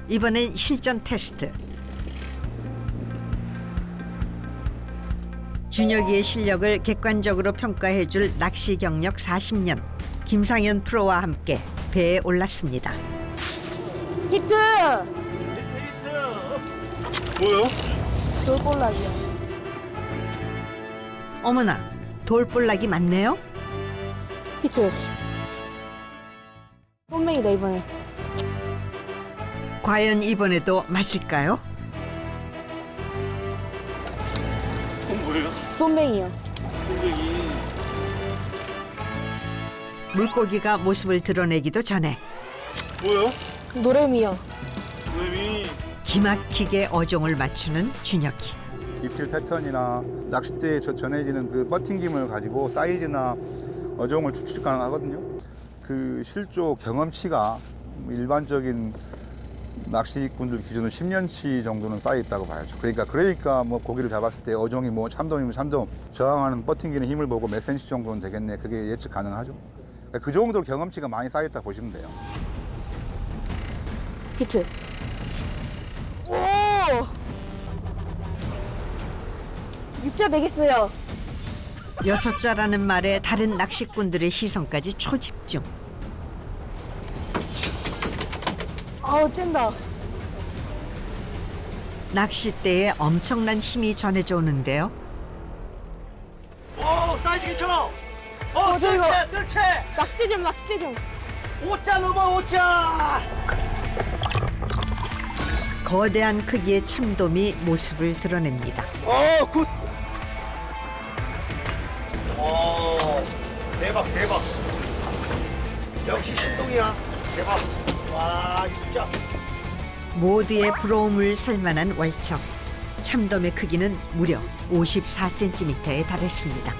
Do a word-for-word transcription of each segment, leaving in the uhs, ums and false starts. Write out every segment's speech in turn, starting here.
이번엔 실전 테스트. 준혁이의 실력을 객관적으로 평가해줄 낚시 경력 사십 년 김상현 프로와 함께 배에 올랐습니다. 히트! 뭐요? 돌볼락이요. 어머나, 돌볼락이 많네요. 히트. 홈맹이다 이번에. 과연 이번에도 맞을까요? 그건 뭐예요? 쏨맹이요. 선생이 물고기가 모습을 드러내기도 전에 뭐요? 노래미요. 선생님이 기막히게 어종을 맞추는 준혁이. 입질 패턴이나 낚싯대에 저- 전해지는 그 버팅김을 가지고 사이즈나 어종을 추측 가능하거든요. 그 실조 경험치가 일반적인 낚시꾼들 기준으로 십 년치 정도는 쌓여 있다고 봐야죠. 그러니까 그러니까 뭐 고기를 잡았을 때 어종이 뭐 참돔이면 참돔 저항하는 버팅기는 힘을 보고 몇 센치 정도는 되겠네. 그게 예측 가능하죠. 그러니까 그 정도로 경험치가 많이 쌓여 있다 보시면 돼요. 히트. 오! 육자 되겠어요. 여섯 자라는 말에 다른 낚시꾼들의 시선까지 초집중. 아우 쨘다. 낚싯대에 엄청난 힘이 전해져 오는데요. 오 사이즈 괜찮아. 어, 어, 저 이거- 뜰채 뜰채 낚싯대 좀 낚싯대 좀. 오자 넘어 오자. 거대한 크기의 참돔이 모습을 드러냅니다. 어 굿. 오 대박 대박. 역시 신동이야. 대박. 와 진짜. 모두의 부러움을 살만한 월척. 참돔의 크기는 무려 오십사 센티미터에 달했습니다.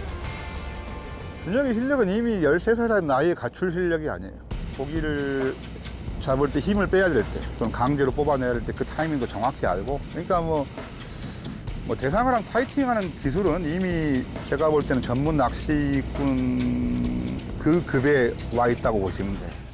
준혁의 실력은 이미 열세 살의 나이에 갖출 실력이 아니에요. 고기를 잡을 때 힘을 빼야 될 때 또는 강제로 뽑아내야 될 때 그 타이밍도 정확히 알고 그러니까 뭐, 뭐 대상어랑 파이팅하는 기술은 이미 제가 볼 때는 전문 낚시꾼 그 급에 와 있다고 보시면 돼요.